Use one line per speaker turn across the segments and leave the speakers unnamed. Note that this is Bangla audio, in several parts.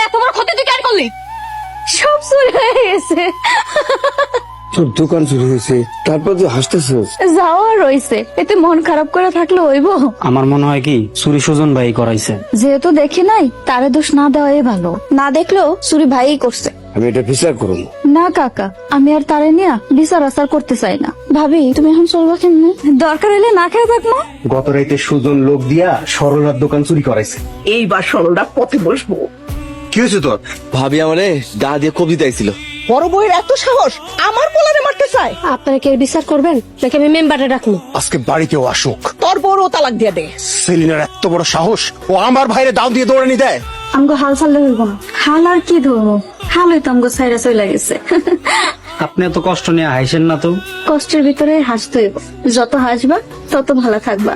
এত বড় ক্ষতি তুই কেন করলি?
সব চুরি হয়ে গেছে।
তোর দোকান চুরি হয়েছে, তারপর তুই হাসতেছিস।
যাওয়া রয়েছে, এতে মন খারাপ করে থাকলে হইব?
আমার মনে হয় কি চুরি সুজন ভাই করাইছে।
যেহেতু দেখি নাই, তারে দোষ না দেওয়াই ভালো। না দেখলেও চুরি ভাইই করছে।
আমি এটা বিচার করবো।
না কাকা, আমি আর তারে নিয়ে বিচার আচার করতে চাই না। ভাবি তুমি এখন চলবা কেমনে? দরকার হলে না খেয়ে থাকবো।
গত রাইতে সুজন লোক দিয়া সরলার দোকান চুরি করাইছে।
এইবার সরলরা পথে বসবো।
কি হয়েছে তোর?
ভাবি আমারে গা দিয়ে কবিতা দিছিল।
বড় বউয়ের এত সাহস আমার পোলারে মারতে চায়।
আপনারা কি বিচার করবেন নাকি আমি মেম্বারে রাখবো?
আজকে বাড়িতেও আসুক।
তোর বড় তালাক দিয়ে দে।
সেলিনার এত বড় সাহস, ও আমার ভাইরে দাও দিয়ে দৌড়ানি দেয়।
আমগো হাল ছাড়লে হইব না। হাল আর কি ধরবো, হাল হইতো আমগো সাইরা চলে গেছে।
আপনি এত কষ্ট নিয়ে হাসেন না তো।
কষ্টের ভিতরে হাসতে হইব, যত হাসবা তত ভালো থাকবা।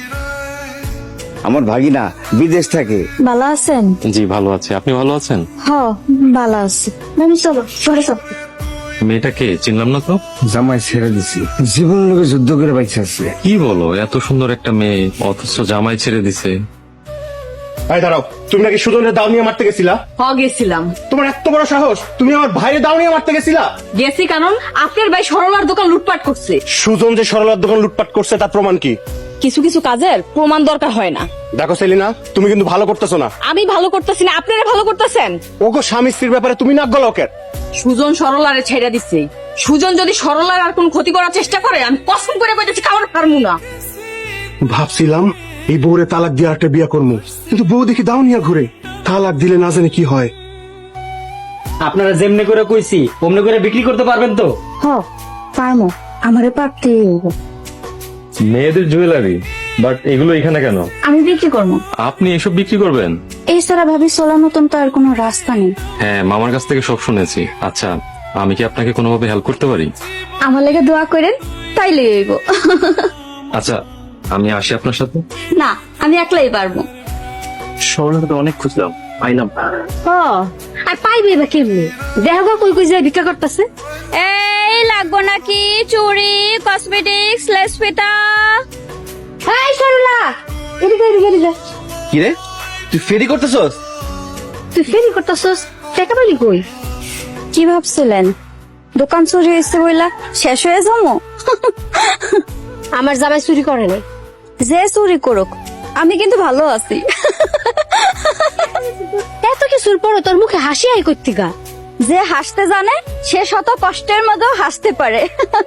আমার ভাগিনা বিদেশ থাকে।
ভালো আছেন?
জি ভালো আছে, আপনি ভালো আছেন?
হ, ভালো আছি। আমি চলো ঘরে চলো।
মেয়েটাকে চিনলাম না তো।
জামাই ছেড়ে দিছি, জীবনের লোকে যুদ্ধ করে বাইছে আছে।
কি বলো, এত সুন্দর একটা মেয়ে অথচ জামাই ছেড়ে দিছে।
এই দাঁড়াও, তুমি নাকি সুজনের দাও নিয়ে মারতে গেছিলা?
গেছিলাম।
তোমার এত বড় সাহস, তুমি আমার ভাইরে দাও নিয়ে মারতে গেছিলা?
গেছি কারণ আপনার ভাই সরলার দোকান লুটপাট করছে।
সুজন যে সরলার দোকান লুটপাট করছে তার প্রমাণ কি?
কিছু কিছু কাজের প্রমাণ দরকার হয় না।
দেখো সেলিনা, তুমি কিন্তু ভালো করতেছো না।
আমি ভালো করতেছি না, আপনারা ভালো করতেছেন।
ওগো স্বামী স্ত্রীর ব্যাপারে তুমি নাক গলাও কেন?
সুজন সরলারে ছেড়ে দিচ্ছে। সুজন যদি সরলার আর কোন ক্ষতি করার চেষ্টা করে, আমি কসম করে কইতেছি কারণ পারমু না।
ভাবছিলাম এই বউরে তালাক দিয়ে একটা বিয়া করবো, কিন্তু বউ দেখি দাও নিয়ে ঘুরে। তালাক দিলে না জানি কি হয়।
আপনারা যেমনি করে কইছি অমনি করে বিক্রি করতে পারবেন তো?
হ, পারমো। আমারে পারতেই হইব।
মেয়েদের জুয়েলারি, বাট এগুলো এখানে কেন?
আমি বিক্রি করবো।
আপনি এসব বিক্রি করবেন?
এছাড়া ভাবি চলার মতন তো আর কোনো রাস্তা নেই।
হ্যাঁ, মামার কাছ থেকে সব শুনেছি। আচ্ছা, আমি কি আপনাকে কোনোভাবে হেল্প করতে পারি?
আমার লেগে দোয়া করেন, তাইলে হইব।
আচ্ছা, আমি আসি আপনার সাথে।
না, আমি একলাই পারবো।
সরলাকে তো অনেক খুঁজলাম, পাইলাম না।
আর পাইবে বা কেমনি? দেখো কই কই যায় ভিক্ষা করতেছে।
এই লাগবো নাকি চুড়ি, কসমেটিক্স, লেস ফিতা?
এই সরলা, এদিকে এদিকে এদিকে।
কি রে, তুই ফেরি করতেছস?
তুই ফেরি করতেছস, টাকা পাইলি কই?
কি ভাবছিলেন দোকান চুরি হয়েছে বইলা শেষ হয়ে যাবো?
আমার জামাই চুরি করে নাই।
যে চুরি করুক, আমি কিন্তু ভালো আছি।
এত কিছুর পরে তোর মুখে হাসি আই করতে গা।
যে হাসতে জানে সে শত কষ্টের মধ্যেও হাসতে পারে।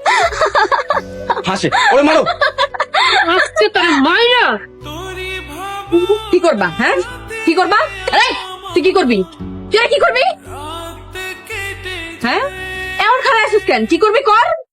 হাসে ওরে মারো।
আজকে তোর মাইরা
কি করবা? হ্যাঁ, কি করবা? এই, তুই কি করবি? তুই আর কি করবি? হ্যাঁ, এমন খারাপ আছিস কেন? কি করবি কর।